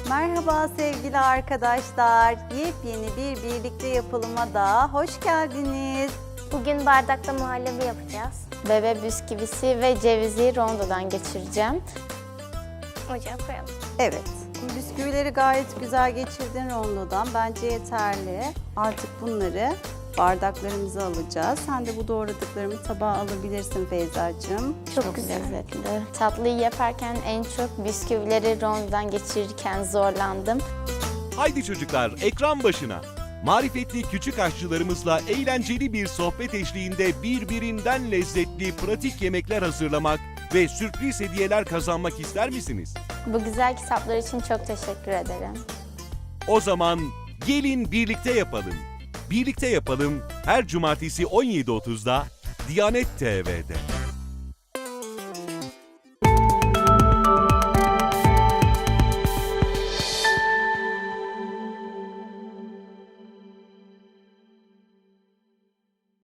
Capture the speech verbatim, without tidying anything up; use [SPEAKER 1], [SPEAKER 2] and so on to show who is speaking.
[SPEAKER 1] Merhaba sevgili arkadaşlar. Yepyeni bir birlikte yapılıma da hoş geldiniz.
[SPEAKER 2] Bugün bardakta muhallebi yapacağız.
[SPEAKER 3] Bebe bisküvisi ve cevizi rondodan geçireceğim.
[SPEAKER 2] Ocağa koyalım.
[SPEAKER 1] Evet. Bisküvileri gayet güzel geçirdin rondodan. Bence yeterli. Artık bunları bardaklarımıza alacağız. Sen de bu doğradıklarımı tabağa alabilirsin Feyzacığım.
[SPEAKER 3] Çok,
[SPEAKER 2] Çok güzel.
[SPEAKER 3] lezzetli. Tatlıyı yaparken en çok bisküvileri rondodan geçirirken zorlandım.
[SPEAKER 4] Haydi çocuklar ekran başına. Marifetli küçük aşçılarımızla eğlenceli bir sohbet eşliğinde birbirinden lezzetli pratik yemekler hazırlamak ve sürpriz hediyeler kazanmak ister misiniz?
[SPEAKER 3] Bu güzel kitaplar için çok teşekkür ederim.
[SPEAKER 4] O zaman gelin birlikte yapalım. Birlikte yapalım her cumartesi on yedi otuzda Diyanet T V'de.